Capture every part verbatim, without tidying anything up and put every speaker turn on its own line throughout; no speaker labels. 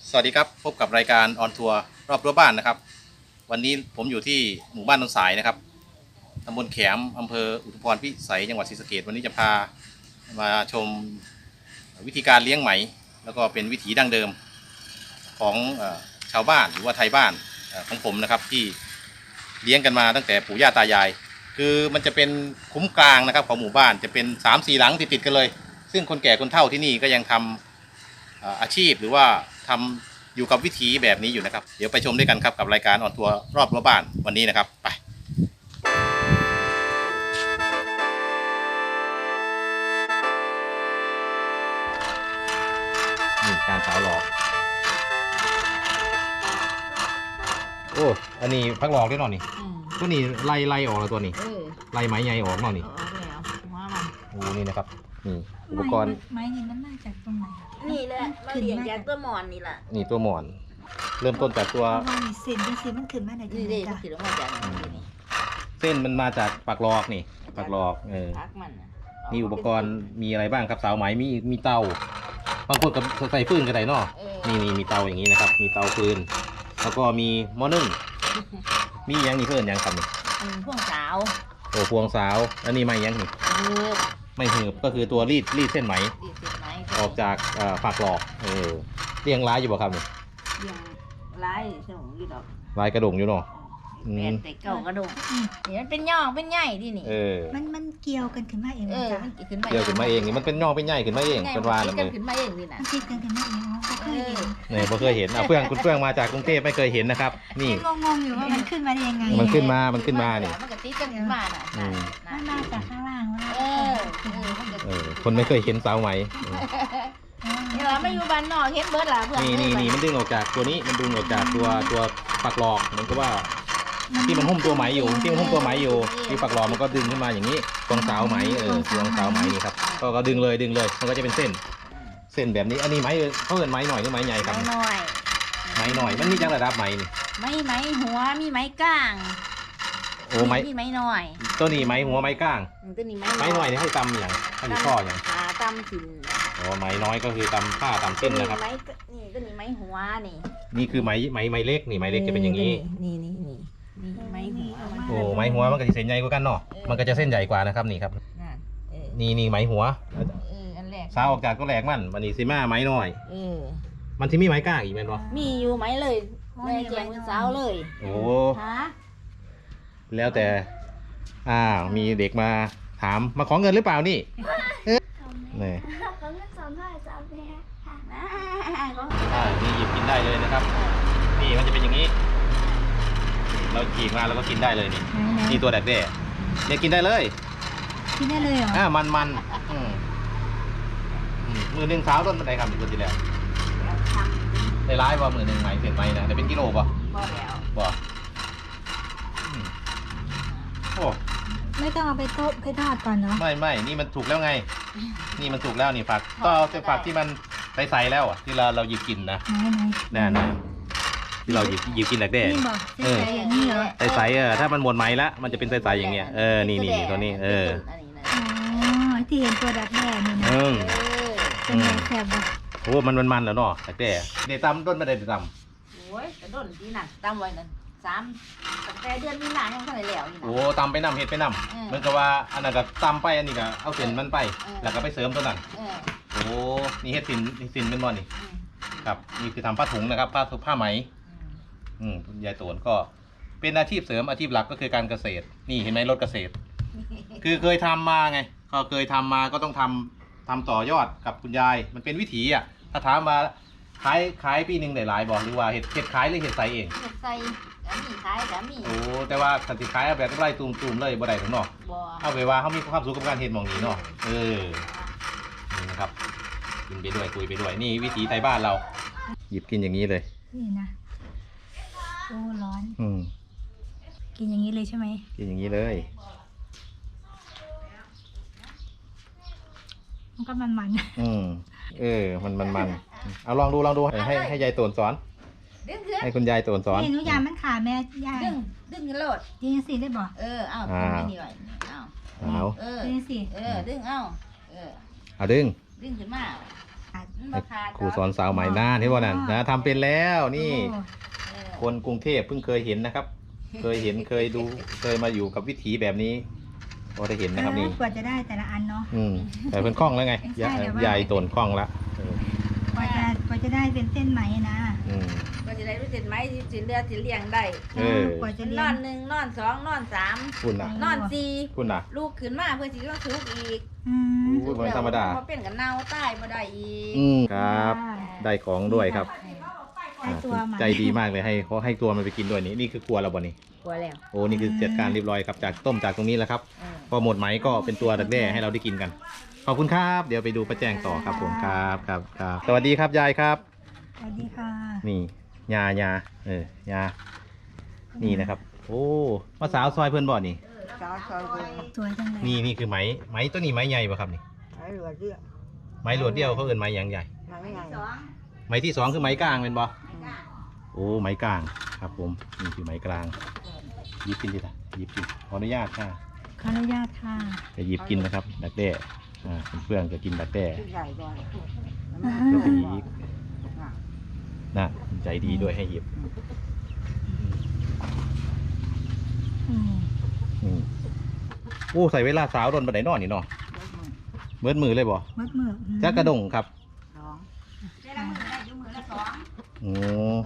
สวัสดีครับพบกับรายการออนทัวร์รอบรั้วบ้านนะครับวันนี้ผมอยู่ที่หมู่บ้านต้นสายนะครับตำบลแขมอำเภออุทุมพรพิสัยจังหวัดศรีสะเกษวันนี้จะพามาชมวิธีการเลี้ยงไหมแล้วก็เป็นวิถีดั้งเดิมของชาวบ้านหรือว่าไทยบ้านของผมนะครับที่เลี้ยงกันมาตั้งแต่ปู่ย่าตายายคือมันจะเป็นคุ้มกลางนะครับของหมู่บ้านจะเป็น สามสี่ หลังติดๆกันเลยซึ่งคนแก่คนเฒ่าที่นี่ก็ยังทำอาชีพหรือว่าทำอยู่กับวิถีแบบนี้อยู่นะครับเดี๋ยวไปชมด้วยกันครับกับรายการออนทัวร์รอบรั้วบ้านวันนี้นะครับไปนี่การสาวหลอกโอ้อันนี้พักหลอกได้หน่อยนี่ตัวนี้ไล่ไล่ออกแล้วตัวนี้ไล่ไม้ใหญ่ออกหน่อยนี่โอ้นี่นะครับนี่อุปกรณ์
ไม้นี่มันมาจากตรงไหน
นี่แหละมาเลี้ยงจากตัวหมอนนี่แหละ
นี่ตัวหมอนเริ่มต้นจากตัว
เส้นเป็นเส้นมันขึ้นมาไหน
นี่เลยมันขึ้นมาจากนี่
เส้นมันมาจากปากหลอกนี่ปากหลอกเออนี่อุปกรณ์มีอะไรบ้างครับสาวไหมมีมีเตาบางคนกับใส่ฟืนก็ได้เนาะนี่นี่มีเตาอย่างนี้นะครับมีเตาฟืนแล้วก็มีหม้อนึ่งมียังนี่เพื่อนยังครับนี่
พวงสาว
โอ้พวงสาวแล้วนี่ไม่ยังนี่ไม่หืบก็คือตัวรีดรีดเส้นไหมออกจากปากหลอกเออเรียงร้ายอยู่บ่ครับนี่
เรียงร้ายใช่ไหมอยู่ดอก
ลายกระดงอยู่เนาะ
เป็นแต่เก่ากระดงนี่มันเป็นย่องเป็นใหญ่ที่นี่
เออ
มันมันเกี่ยวกันขึ้นมาเอง
เออ
มันเกี่ยวขึ้นมา
เกี่ยวขึ้นมาเองนี่มันเป็นย่องเป็นใหญ่ขึ้นมาเองเป็นวานเลย
ขึ้นมาเองนี่นะ
มันติดกันขึ้นมาเองก็เคยเห็น
เนี่ยพอเคยเห็นอ่ะเพื่อนคุณเพื่อนมาจากกรุงเทพไม่เคยเห็นนะครับนี่
งงๆอยู่ว่ามันขึ้นมาได้ยังไง
มันขึ้นมามันขึ้นมานี่
มันก็ติดกันขึ้นมาน่ะ
มันมาจากข้างล่างว่า
เออ
เออคนไม่เคยเห็นสาวไหม
นี่เราไม่อยู่บ้านนอกเห็นเบิร์ดล่ะเพื่อน
นี่นี่นี่มันดึงออกจากตัวนี้มันดึงออกจากตัวตัวปักหลอกเหมือนกับว่าที่มันหุ้มตัวไหมอยู่ที่มันหุ้มตัวไหมอยู่ที่ปักหลอกมันก็ดึงขึ้นมาอย่างนี้ตรงสาวไหมเออตรงสาวไหมนี่ครับก็ก็ดึงเลยดึงเลยมันก็จะเป็นเส้นเส้นแบบนี้อันนี้ไหมเขาเอิ้นไหมหน่อยหรือไหมใหญ่ครับ
ไหมหน่อย
ไหมหน่อยมันมีจังระดับไหมนี่
ไม่ไหมหัวมีไหมก้าง
โอ้ไหม
มีไหมหน่อย
ตัวนี้ไหมหัวไหมก้าง
ตัวนี้ไหม
ไหมหน่อยนี่ให้ตำอย่างให้ข้ออย่าง
ขาตำสิน
โอ้ไหมน้อยก็คือตำผ้าตำเส้นนะครับ
นี่ตัวนี้ไหมหัวนี่
นี่คือไหมไหมไหมเล็กนี่ไหมเล็กจะเป็นอย่างนี้
นี่นี่นี่ไม้หัว
โอ้ไม้หัวมันก็จะเส้นใหญ่กว่ากันเนาะมันก็จะเส้นใหญ่กว่านะครับนี่ครับนี่นี่ไม้หัวสาวออกจากก็แหลกมันมันนี่ซิม่าไม้น้อยมันที่มีไม้ก้างอีกไหมเนาะ
มีอยู่ไหมเลยแม่แจงสาวเลย
โอ้แล้วแต่อ้าวมีเด็กมาถามมาขอเงินหรือเปล่านี่นี่
ขอเงินสามพันสามพัน
อ่านี่หยิบกินได้เลยนะครับนี่มันจะเป็นอย่างนี้เราฉีกมาแล้วก็กินได้เลยนี่นี่ตัวแดกแด้เนี่ยกินได้เลย
กินได้เลยเหรอ
อ่ามันมันมือหนึ่งเท้าต้นบันไดครับคนที่แล้วได้ร้ายว่ามือหนึ่งไหมเสร็จไหมนะแต่เป็นกิโลป่ะ
บ่แล้ว
บ่โอ้
ไม่ต้องเอาไปต้มไปทอดก่อนเนาะ
ไม่ไม่นี่มันถูกแล้วไงนี่มันถูกแล้วนี่ฝักก็เอาแต่ฝักที่มันใสๆแล้วอ่ะที่เราเราหยิบกินนะแน่ๆที่เราหยิบหยิบกินแหลกแด้
เออ
ใสๆเออถ้ามันหมดไหมละมันจะเป็นใสๆอย่างเงี้ยเออนี่นี่ตัวนี้เออ
อ๋อที่เห็นตัวดักแด้นี่นะเป็นไงแซ่บบ่
โอ้มันมันมันแล้วเนาะแหลกแด้เดี๋ยวตำต้นไม่ได้ต
ำโอ้ยกระด้นที่นั่นตำไว้นั่นสามตั้งแต่เดือนมีนายังเท่าไหร่แล้วนี่นะ
โอ้ตำไปนำเห็ดไปนำเหมือนกับว่าอันนั้นก็ตำไปอันนี้ก็เอาเส้นมันไปแล้วก็ไปเสริมตัวนั้นโอ้นี่เห็ดสินสินเป็นบ่อนี่ครับนี่คือทำผ้าถุงนะครับผ้าผ้าไหมอืมยายโตนก็เป็นอาชีพเสริมอาชีพหลักก็คือการเกษตรนี่เห็นไหมรถเกษตรคือเคยทำมาไงก็เคยทำมาก็ต้องทำทำต่อยอดกับคุณยายมันเป็นวิถีอ่ะถ้าถามมาขายขายปีหนึ่งได้หลายบอกหรือว่าเห็ดเห็ดขายหรือเห็ดใส่เอง
เห็ดใส่แล้วมีขายแล้วมี
โอ้แต่ว่าสันติขายเอาแบบไร่ตูมๆเลยบ่ได้ถึงเนาะเอาไปว่าเขามีความสุขกับการเห็ดมองนี้เนาะเออนี่นะครับกินไปด้วยคุยไปด้วยนี่วิถีไทยบ้านเราหยิบกินอย่างนี้เลย
นี่นะโอ้ร้อน
อืม
กินอย่างนี้เลยใช่ไหม
กินอย่างนี้เลย
มันก็มันมัน
อืมเออมันมันมันเอาลองดูลองดูให้ให้ยายโตนสอนให้คุณยายโตนสอน
นี่หนูยามมันขาแม่ยาย
ดึงดึงกันโลด
ดึงสิได้บ่
เออเอาดึงไม่นี่ไว้เอา
เอา
เออดึงสิเออดึงเอาเออ
เอาดึง
ดึงขึ้นมา
อ
บ่ขาด
ครูสอนสาวไหมหน้าที่ว่านั่นนะทำเป็นแล้วนี่
โอ้
เออ
คนกรุงเทพเพิ่งเคยเห็นนะครับ เคยเห็นเคยดูเคยมาอยู่กับวิถีแบบนี้พอได้เห็นนะครับนี่
กว่าจะได้แต่ละอันเนาะ
อืมแต่เป็นคล่องแล้วไง
ใช่แต่ว่า
ใหญ่ตนคล่องละเออก
ว่าจะกว่าจะได้เป็นเส้นไหมนะ
อืม
ก็จะได้รู้สิไหมสิเลือดสิเลี้ยงได้
เออ
กว่าจะเรี
น
ย
อน
น
หนึ่งนอนสองนอนสาม
คุณน่ะ
นอนสี่
คุณน่ะ
ลูกขึ้นมาเพื่อสิต้องทุกอีก
อืม
โอ้ยมันธรรมดา
พอเป็นกับเน่าใต้บ่ได้อีก
อืมครับ ได้ของด้วยครับ
ได้ตัวไหม
ใจดีมากเลยให้เขาให้ตัวมันไปกินด้วยนี่นี่คือครัวเราบ่นี่
กลัวแล้ว
โอ้นี่คือจัดการเรียบร้อยครับจากต้มจากตรงนี้แล้วครับ
เออ
พอหมดไหมก็เป็นตัวดักแด้ให้เราได้กินกัน ขอบคุณครับ เดี๋ยวไปดูป้าแจงต่อครับผมครับครับครับสวัสดีครับยายครับ
สวัสดีค่ะ
นี่ยายาเออยานี่นะครับ โอ้มาสาวซอยเพื่อนบ่อนี่
ซอยซอยเบิ่ง
สวยจังเลย
นี่นี่คือไหมไหมตัวนี้ไหมใหญ่ป่ะครับนี่
ไอ้เหลือเดียว
ไหมหลวดเดียวเขาเอินไหมอยังใหญ่
มันไม่ไงสอง
ไหมที่สองคือไหมกลางเป็นบ่โอ้ไหมกลางครับผมนี่คือไหมกลางหยิบกินดิล่ะหยิบกินขออนุญาตค่ะ
ขออนุญาตค่ะ
จะหยิบกินนะครับดักแด้อ่าเพื่อนๆจะกินดักแด้
ใหญ่ก่อน
เพื่อนๆอีกน่ะใจดีด้วยให้หยิบ
อืม
อืมโอ้ใส่เวลาสาวโดนบันไดนอนนี่เนาะเบิดมือเลยบ่
มัดมืออืม
จักกระดงครับ
สองได้ละมือได้อยู่มือละสอง
โอ้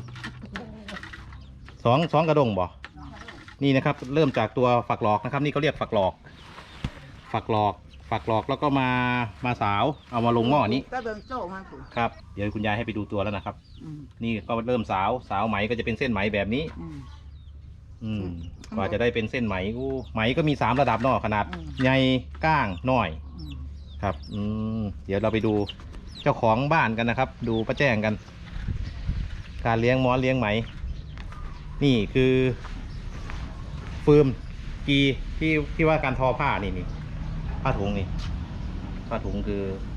สองสองกระดงบ่นี่นะครับ เริ่มจากตัวฝักหลอกนะครับ นี่เขาเรียกฝักหลอก ฝักหลอก ฝักหลอกแล้วก็มามาสาวเอามาลงหม้อนี้
ก็เบิ่งโซ่มันสิ
ครับเดี๋ยวคุณยายให้ไปดูตัวแล้วนะครับ
อืม
นี่ก็เริ่มสาวสาวไหมก็จะเป็นเส้นไหมแบบนี้
อืม
อืมกว่าจะได้เป็นเส้นไหมอู้ไหมก็มีสามระดับเนาะขนาด
อืม
ใหญ่ก้างน้อย
อืม
ครับ อืม เดี๋ยวเราไปดูเจ้าของบ้านกันนะครับ ดูป้าแจ้งกัน การเลี้ยงม้อนเลี้ยงไหม นี่คือฟืมกีที่ที่ว่าการทอผ้านี่นี่ผ้าถุงนี่ผ้าถุงคือ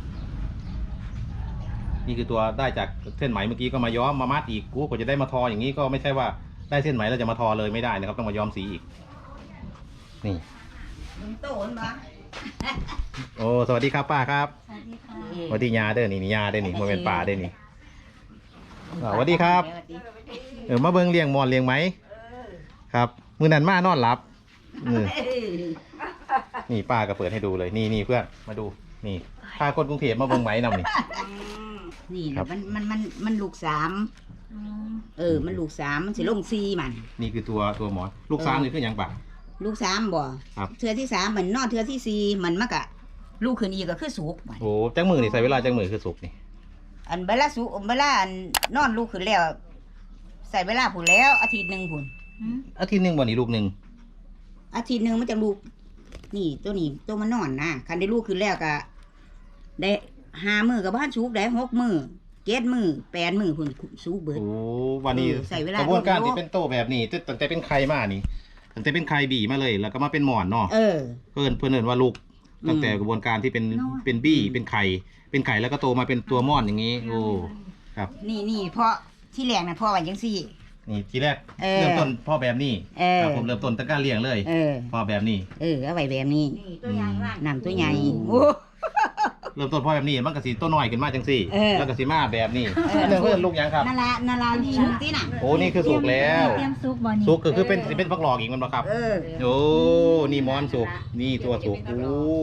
นี่คือตัวได้จากเส้นไหมเมื่อกี้ก็มาย้อมมามัดอีกกูกว่าจะได้มาทออย่างนี้ก็ไม่ใช่ว่าได้เส้นไหมแล้วจะมาทอเลยไม่ได้นะครับ ต้องมาย้อมสีอีก นี่
มึงโตนบ่
โอ้สวัสดีครับป้าครับ
สวัสดีค่ะ
สวัสดียาเด้อนี่นี่ยาเด้อนี่โมเป็นป่าเด้อนี่อ่าสวัสดีครับ เออมาเบิ่งเลี้ยงมอนเลี้ยงไหมครับมือนั้นมานอนหลับเออนี่ป้าก็เปิดให้ดูเลยนี่นี่เพื่อนมาดูนี่พาคนกรุงเทพมาเบิ่งไหมนำนี่
นี่
ครั
นะ
บ
มันมันมันมันลูกสาม
อืม
เออ มันลูกสามมันสิลงซีมัน
นี่คือตัวตัวหมอนลูกสามนี่คือหยังปะ
ลูกสามบ่
ครับ
เทือที่สามมันนอนเทือที่สี่มันมากะ ลูกขึ้นอีกก็คือสุกบัด
โอ้จังมือนี่ใส่เวลาจังมือคือสุกนี่
อันเวลาสุกเวลาอันนอนลูกขึ้นแล้ว ใส่เวลาผุนแล้วอาทิตย์หนึ่งผุน
อืม
อาทิตย์หนึ่งวันนี้ลูกหนึ่ง
อาทิตย์หนึ่งมันจะลูก นี่ตัวนี้ตัวมันนอนนะคันได้ลูกขึ้นแล้วก็ได้ห้ามือกับบ้านสุกได้หกมือเจ็ดมือแปดมือผุนสุกเบิด
โอ้วันนี้
เออใส่เวลาก
ระบวนการ
โดนโลก
ที่เป็นโตแบบนี้ตั้งแต่เป็นไข่มานี่ตั้งแต่เป็นไข่บีมาเลย แล้วก็มาเป็นหมอนเนาะ
เออ
เพื่อนเพื่อนเอินว่าลูก
อืม
ตั้งแต่กระบวนการที่เป็น
น้อย
เป็นบี้เป็นไข่เป็นไข่แล้วก็โตมาเป็นตัวม่อนอย่างนี้ โอ้ครับ
นี่นี่เพราะที่แรกนะพ่อว่าจังซี่
นี่ทีแรก
เออ
เริ่มต้นพ่อแบบนี้
เออ
ครับผมเริ่มต้นตั้งการเลี้ยงเลย
เออ
พ่อแบบนี้
เออเอาไว้แบบนี้นำตัวใหญ่
โอ้
โอ้
เริ่มต้นพ่อแบบนี้มันก็สีตัวน้อยขึ้นมาจังสี่
เออ
แล้วก็สีมาแบบนี้
เออ
เรื่องเพื่อนลูกยังครับ
นารานาราสุกที่น่ะ
โอ้นี่คือสุกแล้ว
เตรียมซุกบ่นี่
สุกก็คือเป็นสิเป็นฟักหลอกอีกมันบ่ครับ
เออ
โอ้นี่มอนสุกนี่ตัวสุกโอ้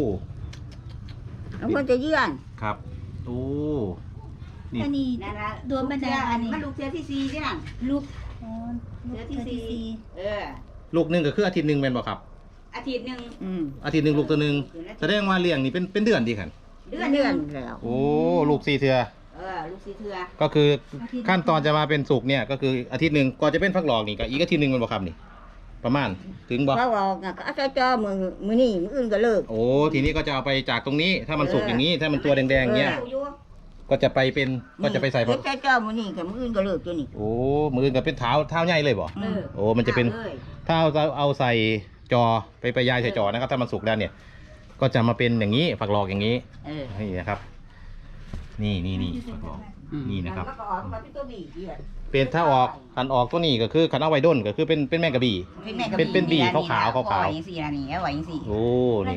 แล้วคนจะเยื่อน
ครับโอ้นี่
อันนี้
นารา
ตัวบันไดอันนี้
มันลูกเทือที่สี่ที่น่ะ
ลูกอ๋อ
เทื
ลู
อก ที่
เทือที่
สี่
สี่
เออ
ลูกหนึ่งก็คืออาทิตย์หนึ่งเป็นบ่ครับ
อาทิตย์หนึ่งอืม
อาทิตย์หนึ่งลูกตัวหนึ่งแสดงว่าเลี้ยงนี่เป็นเป็นเดือนดีขัน
เดือนเดือนแล้ว
โอ้ลูกสี่เทือ
เออลูกสี่เทือ
ก็คือขั้นตอนจะมาเป็นสุกเนี่ยก็คืออาทิตย์หนึ่งก่อนจะเป็นฟักหลอกนี่ก็อีกอาทิตย์หนึ่งมันบ่ครับนี่ ประมาณถึงบ่
เขาบอกนะก็เอาใจจ่อมือมือนี่มืออื่นก็เลิก
โอ้ทีนี้ก็จะเอาไปจากตรงนี้ ถ้ามันสุกอย่างนี้ ถ้ามันตัวแดงๆอย่างเงี้ย
อออยู่
ก็จะไปเป็นก็จะไปใส่
เฮ็ดใจจ่อมือนี่กับมืออื่นก็เลิกตัวนี้
โอ้มือกับเป็นเท้าเท้าใหญ่เลยบ่
เออ
โอ้มันจะเป็น
ลย
ถ้าเอาเอาใส่จอไปไปยายใส่จอนะครับ ถ้ามันสุกแล้วเนี่ย ก็จะมาเป็นอย่างนี้ฝักหลอกอย่างนี้
เออ
นี่นะครับ นี่นี่นี่ฝักหลอก
อืม
นี่นะครับ
แล้วก็ออกมาเป็นตัวบีเดียว
เป็นถ้าออกขันออกตัวนี้ก็คือขันเอาไว้ด้นก็คือเป็นเป็นแมงกะบี่
แม่กะ
เป็นเป็นบีขาวๆขาวๆ
เอไว้อย่างสี่ละนี่เอาไว้อย่างสี่
โอ้นี่ครับ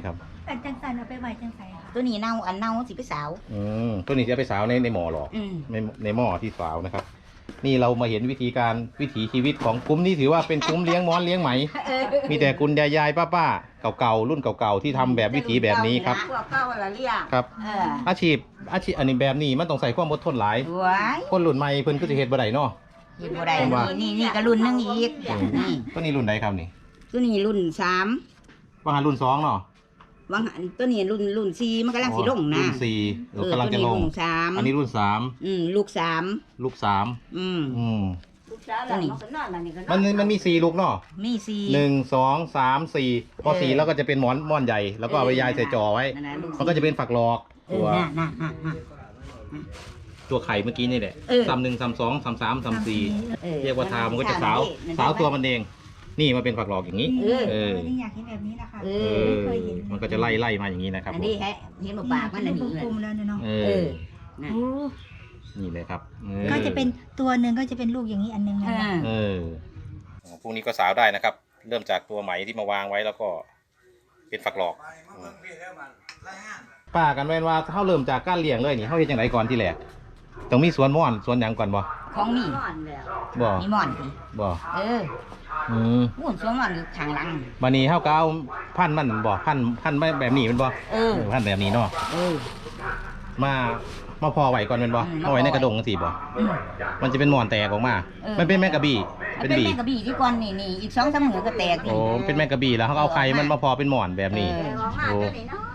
อันจังสันเอาไปไว้จังใส่ค่ะ
ตัวนี้เน่าอันเน่าสิไปสาว
อืมตัวนี้จะไปสาวในในหม้อหรอ
อืม
ในในหม้อที่สาวนะครับ นี่เรามาเห็นวิธีการวิถีชีวิตของกลุ่มนี้ถือว่าเป็นกลุ่มเลี้ยงม้อนเลี้ยงไหม มีแต่คุณยายยายป้าป้าๆเก่าๆรุ่นเก่าๆที่ทำแบบวิถีแบบนี้ครับ
พวกเก่าละเรียก
ครับ
เออ
อาชีพอาชีพอันนี้แบบนี้มันต้องใส่ความอดทนหลาย
สวย
คนรุ่นใหม่เพิ่นก็จะเฮ็ดบ่ได้เนาะ
เห็นบ่ได้
ผมว่า
นี่นี่ก็รุ่นหนึงอีกนี่
ตัวนี้รุ่นใดครับนี่
ตัวนี้รุ่นสาม
ว่าหารุ่นสองเนาะ
วังหันตัวนี้รุ่นรุ่นสี่มันกำลังสิลงนะ
รุ่นสี่เอ
เออก
ำลัง
ตัว
จะ
นี้
ลง
รุ่นสาม
อันนี้รุ่นสาม
อืมลูกสาม
ลูกสาม
อืม
อืม
ตัวนี้
มันมันมีสี่ลูกเนาะ
มีสี่
หนึ่งสองสามสี่พอ
เออ
สี่แล้วก็จะเป็นหมอนม่อนใหญ่แล้วก็เอาไปยายใส่จอไว้
นั่นน่ะลู
มันก็จะเป็นฝักหลอก
เอ
ตัว
อน่ะน่ะน่ะน่ะ
ตัวไข่เมื่อกี้นี่แหละ
เออ
ซ้ำหนึ่งซ้ำสองซ้ำสามซ้ำสี่
ออ
เรียกว่าทามันก็จะสาวสาวตัวมันเองนี่มันเป็นฝักหลอกอย่างนี้
เออ
เออ
นี่อยากเห็นแบบนี้นะคะ
เอ
เอ
อ
อ
เคยเห็น
มันก็จะไล่ไล่มาอย่างนี้นะครับ
อัน
ผม
นี้แฮะเห็นบ่ปากมันอันนี้
กลมๆแล้วเนี่ยเนาะ
เอ
เอ
อ
อน่ะ
โอ้
นี่เลยครับออ
ก็จะเป็นตัวหนึ่งก็จะเป็นลูกอย่างนี้อันหนึง
เอ
นะ
อ
เออพวกนี้ก็สาวได้นะครับ เริ่มจากตัวไหมที่มาวางไว้แล้วก็เป็นฝักหลอกป้ากันแม่นว่าเขาเริ่มจากการเลี้ยงเลยนี่เขาเฮ็ดจังไดก่อนที่แรกต้องมีสวนม่อนสวนหยังก่อนบ่
ของนี่
บ่
มีหมอนสิ
บ่
เออ
อืม
หุ่นสวมหมอนอยู่ทางหลัง
บัดนี้เฮาก็เอาพันธุ์มันบ่พันธุ์พันธุ์แบบนี้แมันบ่
เออ
เออพันธุ์แบบนี้เนาะ
เออ
มามาพอไว้ก่อนแม่นบ่
อืม
เอาไว้ในกระดงจังซี่บ่
อืม
มันจะเป็นหมอนแตกออกมา
เออ
มันเป็นแมงกะบี้
เป็
เป็น น
แม่
บี
กระบี่ที่ก่อนนี่นี่อีกสองสามมือก็แตก
โอ้เป็นแมงกะบี้แล้วเขาก็เอาไข่มันมาพอเป็นหมอนแบบนี้
เออ
โอ้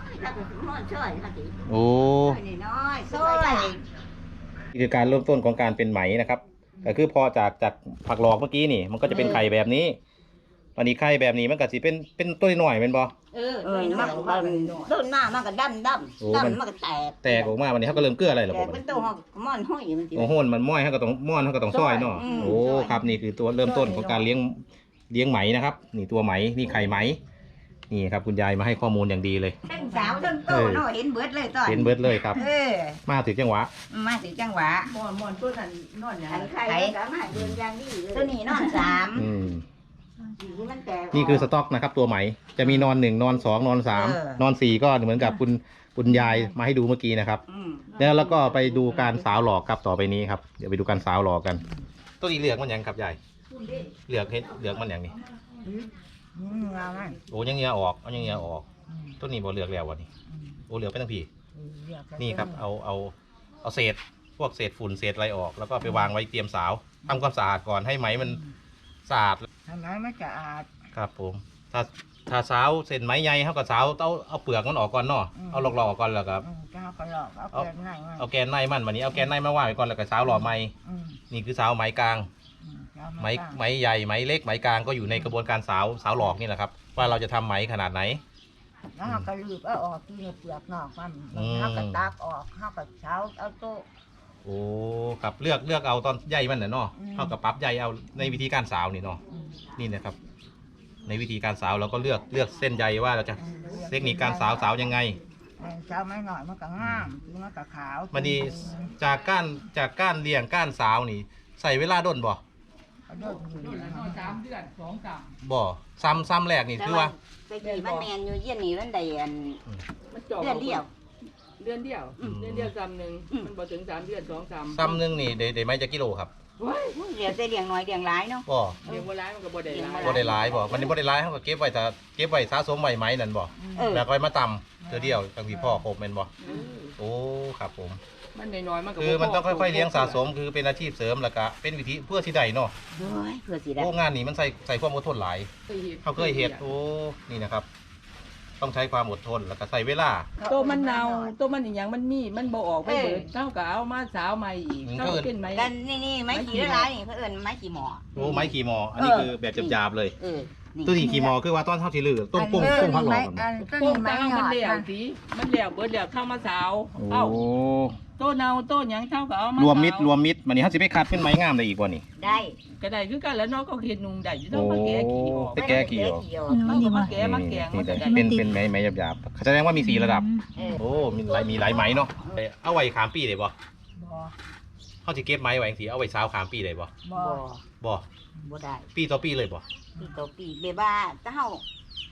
โอ้
น้อยๆซอย
นี่คือการเริ่มต้นของการเป็นไหมนะครับก็คือพอจากจากผักหลอกเมื่อกี้นี่ มันก็จะเป็นไข่แบบนี้ตอนนี้ไข่แบบนี้มันก็สิเป็นเป็นตัวหน่อยเป็นบ่
เออเออมันก็ต้นหน้ามันก็ดำด
โอ้
ำ
มัน
ดำมันก็แตก
แตกออกมาวันนี้เขาก็เริ่มเกลืออะไรหรอ
แต
ผ
ก
ม
เป็นตัวหอกมอนห้อยมันสิ
โอ้โหมันม้อยเขาก็ต้องม้อนเขาก็ต้องซอยเนาะ
อืม
โอ้ครับนี่คือตัวเริ่มต้นของการเลี้ยงเลี้ยงไหมนะครับ นี่ตัวไหมนี่ไข่ไหมนี่ครับคุณยายมาให้ข้อมูลอย่างดีเลย
เป็นสาวต้นโตเนาะเห็นเบิดเลยตอน
เห็นเบิร์ดเลยครับ
เออ
มาถึงจังหวะ
มาถึงจังหวะ
หมอนหมอนตัวนั้นนอนอย่าง
อันไข่
ไข่สามารถเดินยางดีเลย
ตัวนี้นอนสาม
อืม
ที่มันแตก
นี่คือสต็อกนะครับตัวไหมจะมีนอนหนึ่งนอนสองนอนสาม
เออน
อนสี่ก็เหมือนกับคุณคุณยายมาให้ดูเมื่อกี้นะครับ
อืม
แล้วแล้วก็ไปดูการสาวหลอกครับต่อไปนี้ครับเดี๋ยวไปดูการสาวหลอกกันตัวนี้เหลือกมันยังครับยายเหลือกเห็ดเหลือกมันยังนี่
อืมงามมัน
โอ้ยังเงี้ยออกเอายังเงี้ยออกตัวนี้บ่เหลือกแล้ววะนี่โอ้เหลือกไปทั้งพี่นี่ครับเอาเอาเอาเศษพวกเศษฝุ่นเศษอะไรออก แล้วก็ไปวางไว้เตรียมสาวทำความสะอาดก่อนให้ไหมมันสะอาด
ทำไมไม่สะอาด
ครับผมถ้าถ้าสาวเส้นไหมใหญ่เขาก็สาวเอาเอาเปลือกมันออกก่อนเนาะ
อืม
เอาหลอกๆออกก่อนแล้วก็
เจ้าก็หลอกเอา
เอา
เปลือกหน่อยมา
เอาแกนในมันวันนี้เอาแกนในมาว่างไว้ก่อนแล้วก็สาวหล่อไหม
อืม
นี่คือสาวไหมกลาง
อืมเอา
ไหม
มาตั้ง
ไหมใหญ่ไหมเล็กไหมกลางก็อยู่ในกระบวนการสาวสาวหลอกนี่แหละครับว่าเราจะทำไหมขนาดไหน
แล้วเราก็รีบเอาออกที่เปลือกนอกมัน
อืม
เราก็ตักออกเราก็เช้าเอาโต๊ะ
โอ้ครับเลือกเลือกเอาตอนใหญ่มันน่ะเนาะ
อืม
เท่ากับปรั๊บใหญ่เอาในวิธีการสาวนี่เนาะ
อืม
นี่นะครับ ในวิธีการสาวเราก็เลือกเลือกเส้นใยว่าเราจะ
อืม
เทคนิคการสาวสาวยังไง
เออเช้าไม่หน่อยมันก็งามคือมันก็ขาว
มันดีจากก้านจากก้านเลี้ยงก้านสาวนี่ ใส่เวลาด้นบ่
เอาโดดอยู่
นอนสามเดือนสองสาม
บ่ซ้ำซ้ำแรกนี่คือว่า
ไปกี่มันแมนอยู่เยี่ยนนี่มันได้อัน
มันจอบ
เดือนเดียว
เดือนเดียว
อืม
เดือนเดียวซ้ำหนึ่ง
อืม
มันบ่ถึงสามเดือนสองสาม
ซ้ำหนึงนี่ได้ได้ไหมจะกิโลครับ
เฮ้ย
เดี๋ยวจะเลี้ยงน้อยเลี้ยงหลายเนาะ
บ่
เลี้ยงบัวร้ายมันก็บ่ได้หลาย
บ่ได้หลายบ่มันนี่บ่ได้หลายเขาก็เก็บไว้ถ้าเก็บไว้สะสมไว้ไหมนั่นบ่
เออ
แล้วก็ไว้มาตำเทื่อเดียวจังสิพ่อครบแม่นบ่
เออ
โอ้ครับผม
มันน้อยๆมันก็บ่
คือมันต้อง
พ
ค่อยๆเลี้ยงสะสมคือเป็นอาชีพเสริมแล้วก็เป็นวิธีเพื่อสิได้เนาะ
โอ้ยเพื่อสิได้
โอ้งานนี้มันใส่ใส่ความอดทนหลาย
เคยเห็น
เขาเคยเฮ็ดโอ้นี่นะครับ ต้องใช้ความอดทนแล้วก็ใส่เวลา
ตัวมันเน่าตัวมันอีหยังมันมีมันบ่ออกไปเบิดเจ้าก็เอามาสาวใหม่อีก
อืม
เจ้าก็เป็นไหม
กันนี่นี่ไม้ขี่ละลายนี่เขาเอิ้นไม้ขี่หมอ
โอ้ไม้ขี่มอ อันนี้
เออ
คือแบบหยาบๆเลย
เออนี่
ตัวนี้ขี่มอคือว่าต้นเท่าที่ลือต้มปุ้งปุ้งพักหลอกกันบ่
โป่งตามันเหลวสิมันเหลวเบิดเหลวเข้ามาสาวเอ้า
โอ้
โตัวเน่าโตัวหยังเท่าก็เอามาร
วมมิด
สาร
วมมิดมันนี่เขาสิไปคัดเป็นไม้งามได้อีกบ่นี่
ได้
ก็ได้คือกันแล้วเนาะก็เห็นนุ่งได้อยู่ต้
โอ้
องมาแก้ขี้ออก
ไปแก้ขี้ออก
อืม
เขาก็มาแก้มาแกง
นี่
มันก็
แต่
ได้
เป็นเป็นไม้ไม้หยาบๆแสดงว่ามีสี่ระดับ
เออ
โอ้ มีหลายมีหลายไม้เนาะเอ้ยเอาไว้ขามปีได้บ่
บ่
เขาสิเก็บไม้ไว้จังซี่เอาไว้สาวขามปีได้บ่
บ่
บ่
บ่ได้
ปีต่อปีเลยบ่
ปีต่อปีเบบ้าถ้าเฮา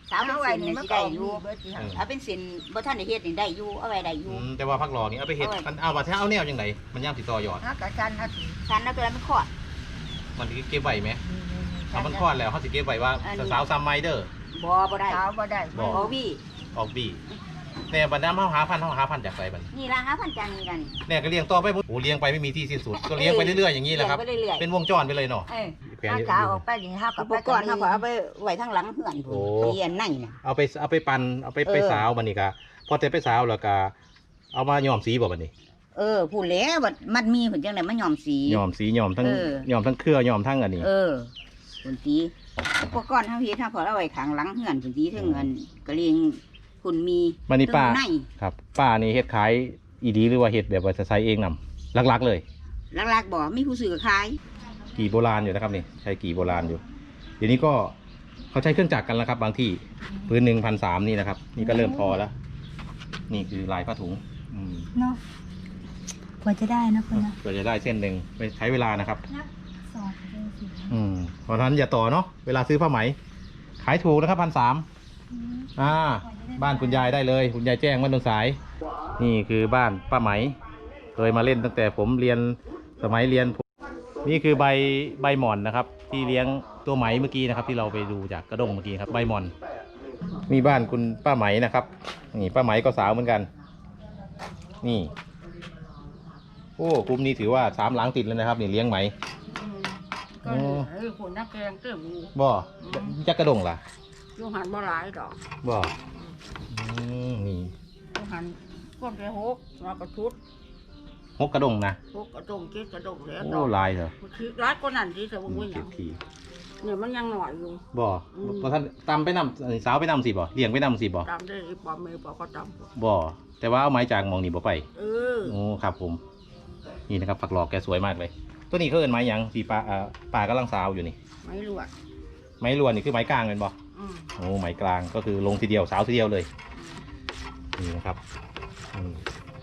สาวเป็น
เอาไว้
เส้น
นี่
นี่
มัน
สิ
ก็
ได้
อ
อยู่
เบิดสิค่ะ
เอาเป็นเส้นบ่ทันได้เฮ็ดนี่ได้อยู่เอาไว้ได้อยู่
อืมแต่ว่าพักหลอนี่เอาไปเห็ด
เอาไว้
มันเอามาแท้เอาแนวยังไงมันย่ำติดต่อยอด
ถ้ากระชันนะสิ
ฉันเอาตัวนั้นมันคลอด
มันเก็บไว้ไหมเอามันคลอดแล้วเขาสิเก็บไว้ว่า
อันนี้
สาวซัมไมเดอร์
บ่บ่ได้
เช้าบ่ได้
บ่
บ่วี่
ออกบีเนี่ยบรรดาเขาหาพันธุ์เขาหาพันธุ์จากไสบัด
นี่ละห้าพันจังนี่กัน
เนี่ยก็เลี้ยงต่อไปโอ้โหเลี้ยงไปไม่มีที่สิ้นสุดก็เลี้ยงไปเรื่อยๆอย่างนี้แหละครับ
เลี้ยงไปเรื่อยๆ
เป็นวงจรไปเลยเนาะ
เออ
แปลง
ถ้า
นี้
เช้าออกไปนี่เฮาก็
อุ
ไป
ปกรณ์เขาก็เอาไปไว้ทางหลังเพื่อน
โอ้
พุ่นเรียนในน่ะ
เอาไปเอาไปปั่นเอาไป
เออ
ไปสาวบันนี้ก็พอแต่ไปสาวแล้วก็เอามาย้อมสีบ่บัดนี้
เออพูดแล้วว่ามันมีเพิ่นจังได๋มันยอมสี
ย้อมสีย้อมทั้ง
เออ
ย้อมทั้งเครือย้อมทั้งอันนี้
เออพุ่นสีอุปกรณ์เฮาเฮ็ดเฮาก็เอาไว้ข้างหลังเฮือนพุ่นสีถึงเงินก็เลี้ยงพุ่นมี
บัดนี้ป้า
ถึงใน
ครับป้านี่เฮ็ดขายอีดีหรือว่าเฮ็ดแบบว่าจะใช้เองนำหลักๆเลย
หลักๆบ่มีผู้ซื้อก็ขาย
กี่โบราณอยู่นะครับนี่ใช้กี่โบราณอยู่ เดี๋ยวนี้ก็เขาใช้เครื่องจักรกันแล้วครับ บางที่พื้นหนึ่งพันสามนี่นะครับ นี่ก็เริ่มพอแล้ว นี่คือลายผ้าถุงอืม
เนาะกว่าจะได้นะเพื่อนนะ
เพื่อจะได้เส้นหนึ่งไปใช้เวลานะครับ
นักสอนเลยสิ
อืมเพราะฉะนั้นอย่าต่อเนาะเวลาซื้อผ้าไหม ขายถูกนะครับพันสาม
อืม
อ่า บ้านคุณยายได้เลย คุณยายแจ้งบ้านตรงสาย นี่คือบ้านป้าไหมเคยมาเล่นตั้งแต่ผมเรียนสมัยเรียนผมนี่คือใบใบหม่อนนะครับ ที่เลี้ยงตัวไหมเมื่อกี้นะครับ ที่เราไปดูจากกระด้งเมื่อกี้ครับใบหม่อนนี่บ้านคุณป้าไหมนะครับนี่ป้าไหมก็สาวเหมือนกัน นี่โอ้กลุ่มนี้ถือว่าสามหลังติดแล้วนะครับนี่เลี้ยงไหม
ก็นี่ไอ้คนนักแกงเต็มอยู่
บ่จักกระด้งล่ะ
อยู่หันบ่หลายดอก
บ่อืมนี่
อยู่หันก้นไปหกแล้วก็ชุด
หกกระด้งนะ
หกกระดงเจ็ดกระดงแล้ว
โอ้ลายเหรอ
คือร้ายกว่านั้นที่สม
อื
มุ
ม
ติห
เก็
ยั
บ
ง
ที
เนี่ยมันยังหน่อยอยู่
บ่
อืม
บ่ท่านตำไปนำเอ่อสาวไปนำสิบ่เลี้ยงไปนำสิบ่
ตามได้อีปอมเมย์ปอก็ตาม
บ่แต่ว่าเอาไม้จากหมองนี่บ่ไป
เออ
โอ้ครับผม นี่นะครับฝักหลอกแกสวยมากเลย ตัวนี้เขาเอิ้นไม้หยังที่ปลาอ่าปลากำลังสาวอยู่นี่
ไม่รวด
ไม้ลวนนี่คือไม้กลางเป็นบ่
อืม
โอ้ไม้กลางก็คือลงทีเดียวสาวทีเดียวเลยนี่นะครับอืม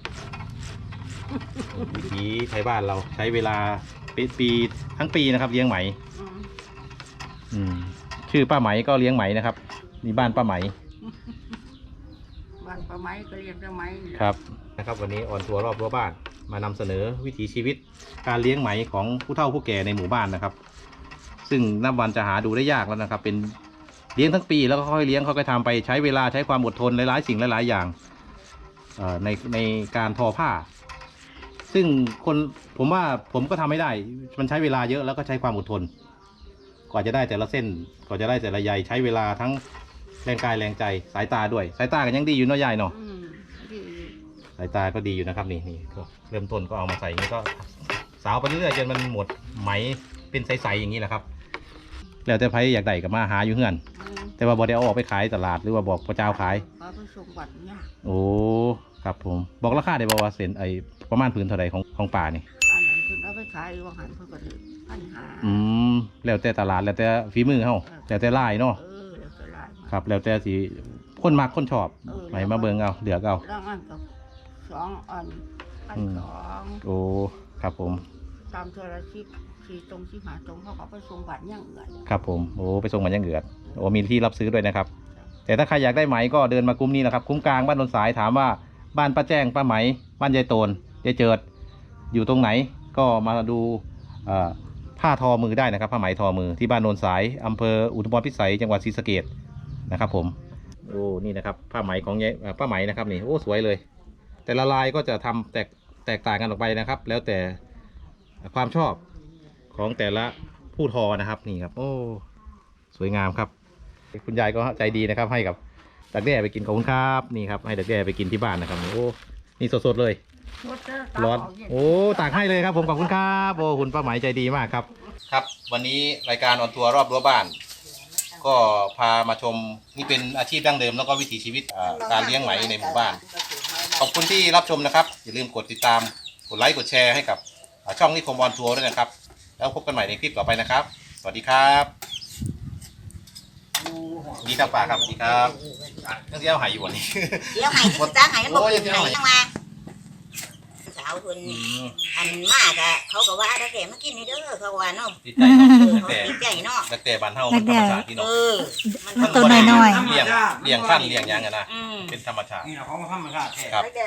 วิธีใช้บ้านเราใช้เวลาปีปีทั้งปีนะครับ เลี้ยงไหม
อืม
อืมชื่อป้าไหมก็เลี้ยงไหมนะครับนี่บ้านป้าไหม
บ้านปลาไม้ก็เรียกปลาไม้นี่
ครับนะครับวันนี้ออนทัวร์รอบรั้วบ้านมานำเสนอวิถีชีวิตการเลี้ยงไหมของผู้เฒ่าผู้แก่ในหมู่บ้านนะครับ ซึ่งนับวันจะหาดูได้ยากแล้วนะครับ เป็นเลี้ยงทั้งปีแล้วก็ค่อยเลี้ยงค่อยๆทำไปใช้เวลาใช้ความอดทนหลายๆสิ่งหลายๆอย่างเอ่อในในการทอผ้า ซึ่งคนผมว่าผมก็ทำไม่ได้ มันใช้เวลาเยอะแล้วก็ใช้ความอดทน กว่าจะได้แต่ละเส้นกว่าจะได้แต่ละใยใช้เวลาทั้งแรงกายแรงใจสายตาด้วยสายตากันยังดีอยู่เนาะยายเนาะ
อืมดี
สายตาก็ดีอยู่นะครับนี่นี่ก็เริ่มต้นก็เอามาใส่อย่างนี้ก็สาวไปเรื่อยๆจนมันหมดไหมเป็นใสๆอย่างนี้แหละครับ แล้วแต่ไผอยากได้ก็มาหาอยู่เฮือน
อืม
แต่ว่าบอได้เอาออกไปขายตลาดหรือว่าบอกพระเจ้าขาย
ปลาไปส่งบัตรเนี่ย
โอ้ครับผมบอกราคาได้บอกว่าเส้นไอประมาณพื้นเท่าไหร่ของของป่านี่
อันนั้นคุณเอาไปขายว่าหันเพื่อก็ถือพันหา
อืมแล้วแต่ตลาดแล้วแต่ฝีมือเฮาแล้วแต่ลายเนาะ
เออแล้วก็หลาย
ครับ แล้วแต่สิคนมักคนชอบ
เออ
ไหนมาเบิ่งเอาเลือกเอา
แล้วอันกับสองอันอัน
อืม
สอง
โอ้ครับผม
ตามเทอร์ชิปสี่ตรงที่หาตรงเขาก็ไปส่งบัตรย่างเงิน
ครับผมโอ้ไปส่งมันยังเอือดโอ้มีที่รับซื้อด้วยนะครับ แต่ถ้าใครอยากได้ไหมก็เดินมาคุ้มนี้แหละครับ คุ้มกลางบ้านนนสายถามว่าบ้านป้าแจ้งป้าไหม บ้านยายโตนยายเจิดอยู่ตรงไหนก็มาดูเอ่อผ้าทอมือได้นะครับผ้าไหมทอมือที่บ้านโนนสายอำเภออุทุมพรพิสัยจังหวัดศรีสะเกษนะครับผมโอ้นี่นะครับผ้าไหมของยายเอ่อป้าไหมนะครับนี่โอ้สวยเลย แต่ละลายก็จะทำแตกแตกต่างกันออกไปนะครับ แล้วแต่ความชอบของแต่ละผู้ทอนะครับนี่ครับโอ้สวยงามครับ คุณยายก็ใจดีนะครับให้กับดักแด้ไปกินขอบคุณครับนี่ครับให้ดักแด้ไปกินที่บ้านนะครับโอ้นี่สดๆเลยร้อนโอ้ตากให้เลยครับผมขอบคุณครับโอ้คุณป้าไหมใจดีมากครับครับ วันนี้รายการออนทัวร์รอบรั้วบ้าน ก็พามาชมนี่เป็นอาชีพดั้งเดิมแล้วก็วิถีชีวิตอ่าการเลี้ยงไหมในหมู่บ้าน ขอบคุณที่รับชมนะครับอย่าลืมกดติดตามกดไลค์กดแชร์ให้กับอ่าช่องนิคมออนทัวร์ด้วยนะครับแล้วพบกันใหม่ในคลิปต่อไปนะครับ สวัสดีครับดีครับป่าครับดีครับต้องเที่ยวหายอยู่วันนี้
เดี๋ยวให้จ้างให้มันบ่
โอ้ย
กินให้ยังมาสาวเพิ่น
อืม
อันมากอะเขาก็ว่าดักแด่มากินนี่เด้อเขาว่าเนาะ
ติดใจเนาะ
เออ
ดัก
เขา
แด่
ติดใจเนาะ
ดักแด่บ้านเฮามันธรรมชาติที่
เอ
เนาะ
อ
มันตัวน้อยๆ
เลี้ยงเลี้ยงพันธุ์เลี้ยงหยังกันนะ
อืม
เป็นธรรมชาติ
นี่เราของธรรมชาติแท้
ครับ
ดักแด่